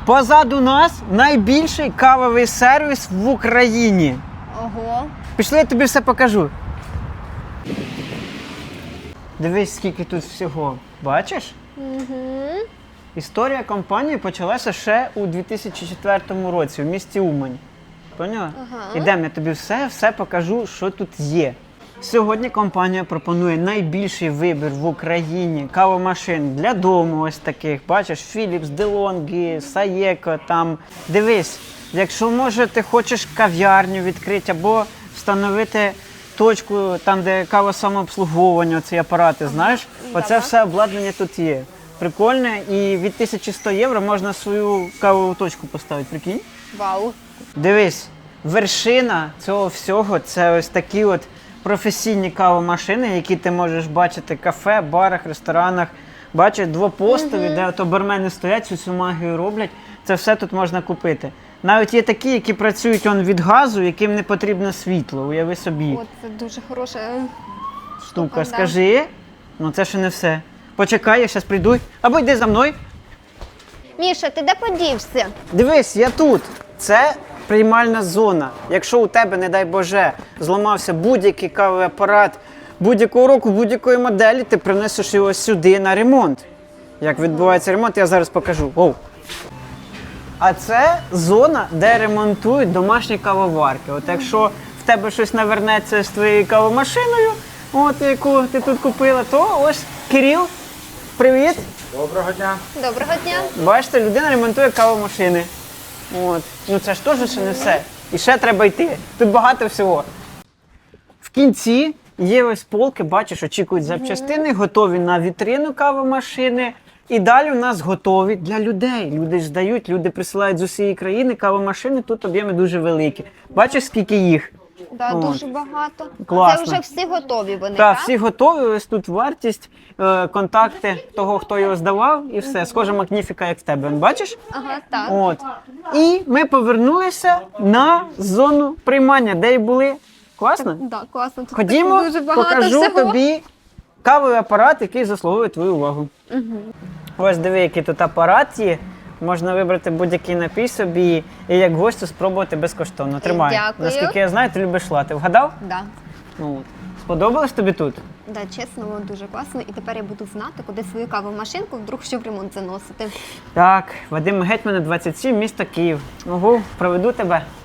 Позаду нас найбільший кавовий сервіс в Україні. Ого. Пішли, я тобі все покажу. Дивись, скільки тут всього. Бачиш? Угу. Історія компанії почалася ще у 2004 році в місті Умань. Поняла? Ага. Ідемо, я тобі все покажу, що тут є. Сьогодні компанія пропонує найбільший вибір в Україні кавомашин для дому ось таких. Бачиш, Philips, DeLonghi, Saeco там. Дивись, якщо, може, ти хочеш кав'ярню відкрити або встановити точку там, де кавосамообслуговування, ці апарати, знаєш? Оце все обладнання тут є. Прикольне, і від 1100 євро можна свою кавову точку поставити, прикинь? Вау. Дивись, вершина цього всього – це ось такі от професійні кавомашини, які ти можеш бачити в кафе, барах, ресторанах. Бачиш, двопостові, де ото бармени стоять, цю всю магію роблять. Це все тут можна купити. Навіть є такі, які працюють від газу, яким не потрібно світло, уяви собі. О, це дуже хороша Штука, да. скажи, ну це ще не все. Почекай, я зараз прийду. Або йди за мною. Міша, ти де подівся? Дивись, я тут. Це приймальна зона. Якщо у тебе, не дай Боже, зламався будь-який кавовий апарат будь-якого року, будь-якої моделі, ти принесеш його сюди на ремонт. Як відбувається ремонт, я зараз покажу. Оу. А це зона, де ремонтують домашні кавоварки. От якщо в тебе щось навернеться з твоєю кавомашиною, от яку ти тут купила, то ось Кирил, привіт. Доброго дня. Доброго дня. Бачите, людина ремонтує кавомашини. От. Ну це ж теж ще не все. І ще треба йти. Тут багато всього. В кінці є ось полки, бачиш, очікують запчастини, готові на вітрину кавомашини. І далі у нас готові для людей. Люди ж здають, люди присилають з усієї країни кавомашини, тут об'єми дуже великі. Бачиш, скільки їх? Да, От. дуже багато. Класно. Це вже всі готові вони, Так, так? всі готові, ось тут вартість, контакти того, хто його здавав, і все. Схоже, Магніфіка, як в тебе. Бачиш? Ага, так. От. І ми повернулися на зону приймання, де й були. Класно? Да, класно. Тут Ходімо, дуже багато покажу всього. тобі кавовий апарат, який заслуговує твою увагу. Угу. Ось диви, який тут апарат є. Можна вибрати будь-який напій собі і як гостю спробувати безкоштовно. Тримай. Дякую. Наскільки я знаю, ти любиш лати. Вгадав? Да. Ну, от. Сподобалось тобі тут? Да, чесно, воно дуже класно. І тепер я буду знати, куди свою кавомашинку вдруг що в ремонт заносити. Так, Вадим Гетьмана, 27, місто Київ. Ого, проведу тебе.